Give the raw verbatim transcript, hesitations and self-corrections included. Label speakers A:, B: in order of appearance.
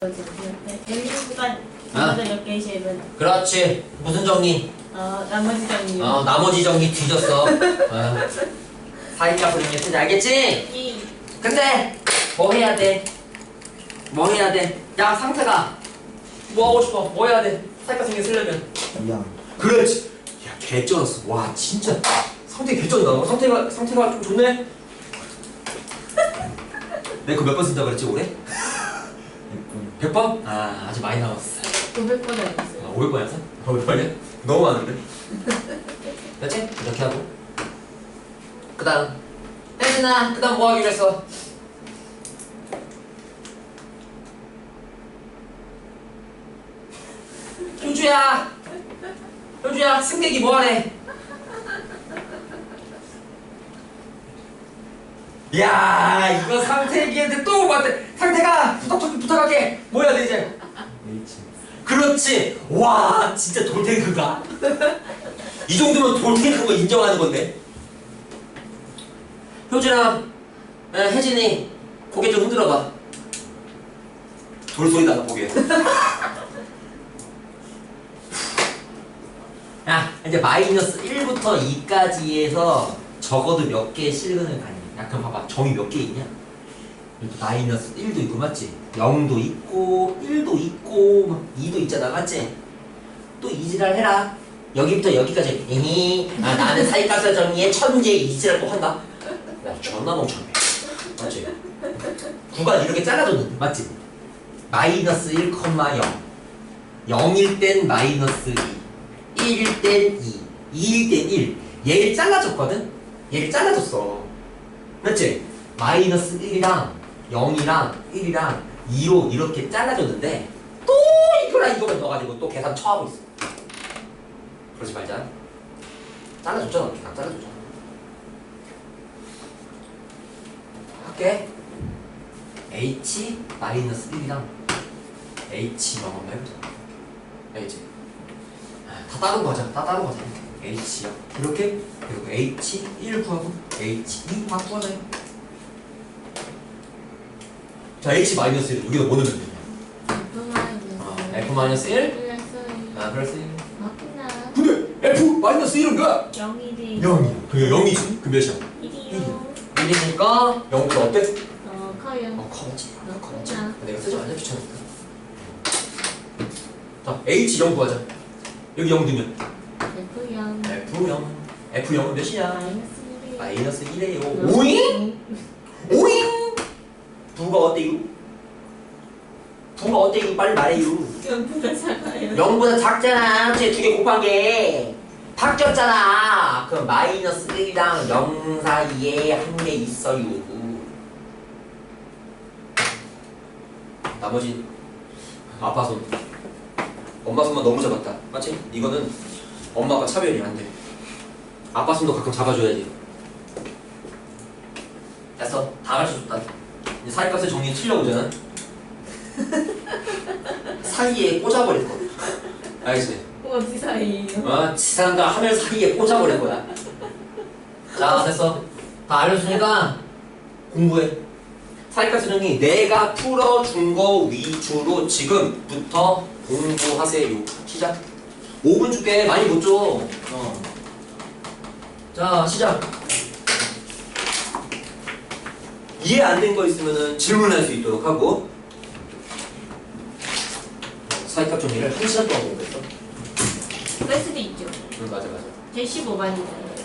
A: 여기보다
B: 아.
A: 몇 개의 쉐입은
B: 그렇지. 무슨 정리?
A: 어 나머지 정리.
B: 어 나머지 정리 뒤졌어. 어. 사이가 그림이 쓰지 알겠지?
A: 이
B: 근데 뭐 해야 돼? 뭐 해야 돼? 야 상태가 뭐 하고 싶어? 뭐 해야 돼? 사이가 생겨 쓰려면
C: 야,
B: 그렇지. 야 개쩔었어. 와 진짜 상태 개쩔다. 어, 상태가 상태가 좀 좋네. 내가 그 몇 번 쓴다 그랬지 올해? 백 번? 아 아직 많이 남았어.
A: 오백 번
B: 아,
A: 했어요.
B: 오백 번이었어? 오백 번이야? 너무 많은데? 됐지? 이렇게 하고 그 다음 혜진아 그 다음 뭐 하기로 했어? 효주야 효주야 승객이 뭐 하래? 야 이거 상태기한테 또 맞대. 상태가 부탁 좀 부탁할게. 뭐 해야 돼 이제?
C: H.
B: 그렇지. 와 진짜 돌탱크가 이 정도면 돌탱크인 거 인정하는 건데. 효진아 에, 혜진이 고개 좀 흔들어봐. 돌소리 나가 고개. 야 이제 마이너스 일부터 이까지에서 적어도 몇 개의 실근을 가니. 야 그럼 봐봐 정이 몇 개 있냐? 마이너스 일도 있고 맞지? 영도 있고 일도 있고 막 이도 있잖아 맞지? 또 이지랄 해라. 여기부터 여기까지 에이 아, 나는 사이값을 정리해 천재 이지랄 또 한다. 야 존나 멍청해 맞지? 구간 이렇게 잘라줬는데 맞지? 마이너스 일, 영 영일 땐 마이너스 이 일일 땐 이 이일 땐 일 얘를 잘라줬거든? 얘를 잘라줬어 맞지? 마이너스 일이랑 영이랑 일이랑 이로 이렇게 잘라줬는데 또 이거랑 이거만 넣어가지고 또 계산 처하고 있어. 그러지 말자. 잘라줬잖아. 이렇게 다 잘라줬잖아. 할게. H 마이너스 일이랑 H 영 한번 해보자. H 다 다른 거자. 다 다른 거자. H요. 이렇게 그리고 H 일 구하고 H 이 바꾸어놔요. 자 H 마이너스 일 여기다 뭐 넣으면 되냐?
A: F 마이너스
B: F 마이너스 일?
A: 플러스
B: 아 플러스 일.
A: 맞구나.
B: 근데 F 마이너스 일은 뭐야?
A: 영이지.
B: 영이야. 그게 영이지. 그 몇이야?
A: 일이요.
B: 일이니까 영보다 어때?
A: 어 커요.
B: 어 커졌지. 커졌지.
A: 그렇구나.
B: 내가 쓰지 말자 귀찮으니까. 자 H 영 구하자. 여기 영 넣으면
A: F 영.
B: F 영. F 영은 몇이야?
A: 마이너스 일이요.
B: 마이너스 일이에요. 오잉? 오잉? 부가 어때요? 부가 어때요? 빨리 말해요.
A: 영보다 작아요.
B: 영보다 작잖아. 쟤 두 개 곱한 게 바뀌었잖아. 그럼 마이너스 일이랑 영 사이에 한 개 있어요. 나머지 아빠 손. 엄마 손만 너무 잡았다. 맞지? 이거는 엄마가 차별이 안 돼. 아빠 손도 가끔 잡아줘야지. 됐어. 다 가르쳐줬다. 이제 사이값을 정리 치려고잖아. 사이에 꽂아버릴 거야. 알겠지?
A: 어디 사이에요?
B: 어, 지상과 하늘 사이에 꽂아버릴 거야. 자, 됐어. 다 알려주니까 공부해. 사이값 수정이 내가 풀어준 거 위주로 지금부터 공부하세요. 시작. 오 분 줄게. 많이 못 줘. 어. 자, 시작. 이해 안 된 거 있으면은 질문할 수 있도록 하고. 사이값 정리를 한 시간 동안 공부했어.
A: 뺄 수도 있죠.
B: 응, 맞아, 맞아.
A: 제 십오 반이잖아요.